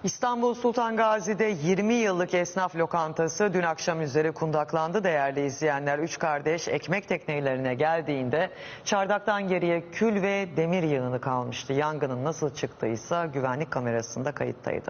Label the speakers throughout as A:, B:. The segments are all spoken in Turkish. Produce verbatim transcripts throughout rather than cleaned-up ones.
A: İstanbul Sultan Gazi'de yirmi yıllık esnaf lokantası dün akşam üzeri kundaklandı değerli izleyenler. Üç kardeş ekmek teknelerine geldiğinde çardaktan geriye kül ve demir yığını kalmıştı. Yangının nasıl çıktıysa güvenlik kamerasında kayıttaydı.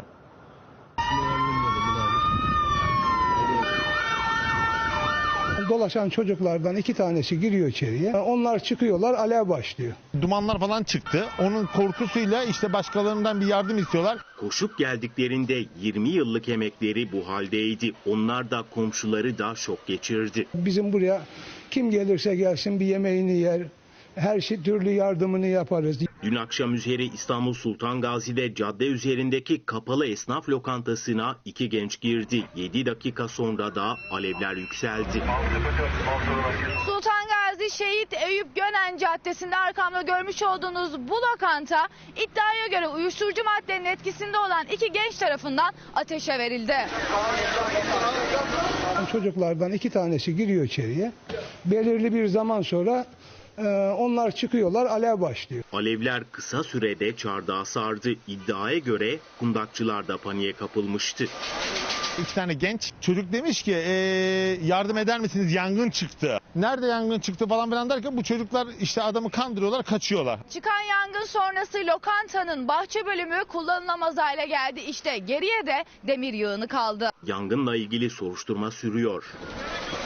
B: Dolaşan çocuklardan iki tanesi giriyor içeriye. Onlar çıkıyorlar, alev başlıyor.
C: Dumanlar falan çıktı. Onun korkusuyla işte başkalarından bir yardım istiyorlar.
D: Koşup geldiklerinde yirmi yıllık emekleri bu haldeydi. Onlar da komşuları da şok geçirdi.
B: Bizim buraya kim gelirse gelsin bir yemeğini yer, her şey türlü yardımını yaparız.
D: Dün akşam üzeri İstanbul Sultan Gazi'de cadde üzerindeki kapalı esnaf lokantasına iki genç girdi. yedi dakika sonra da alevler yükseldi.
E: Sultan Gazi Şehit Eyüp Gönen Caddesi'nde arkamda görmüş olduğunuz bu lokanta iddiaya göre uyuşturucu maddenin etkisinde olan iki genç tarafından ateşe verildi.
B: Çocuklardan iki tanesi giriyor içeriye. Belirli bir zaman sonra onlar çıkıyorlar, alev başlıyor.
D: Alevler kısa sürede çardağı sardı. İddiaya göre kundakçılar da paniğe kapılmıştı.
C: İki tane genç çocuk demiş ki ee, yardım eder misiniz, yangın çıktı. Nerede yangın çıktı falan filan derken bu çocuklar işte adamı kandırıyorlar, kaçıyorlar.
E: Çıkan yangın sonrası lokantanın bahçe bölümü kullanılamaz hale geldi. İşte geriye de demir yığını kaldı.
D: Yangınla ilgili soruşturma sürüyor.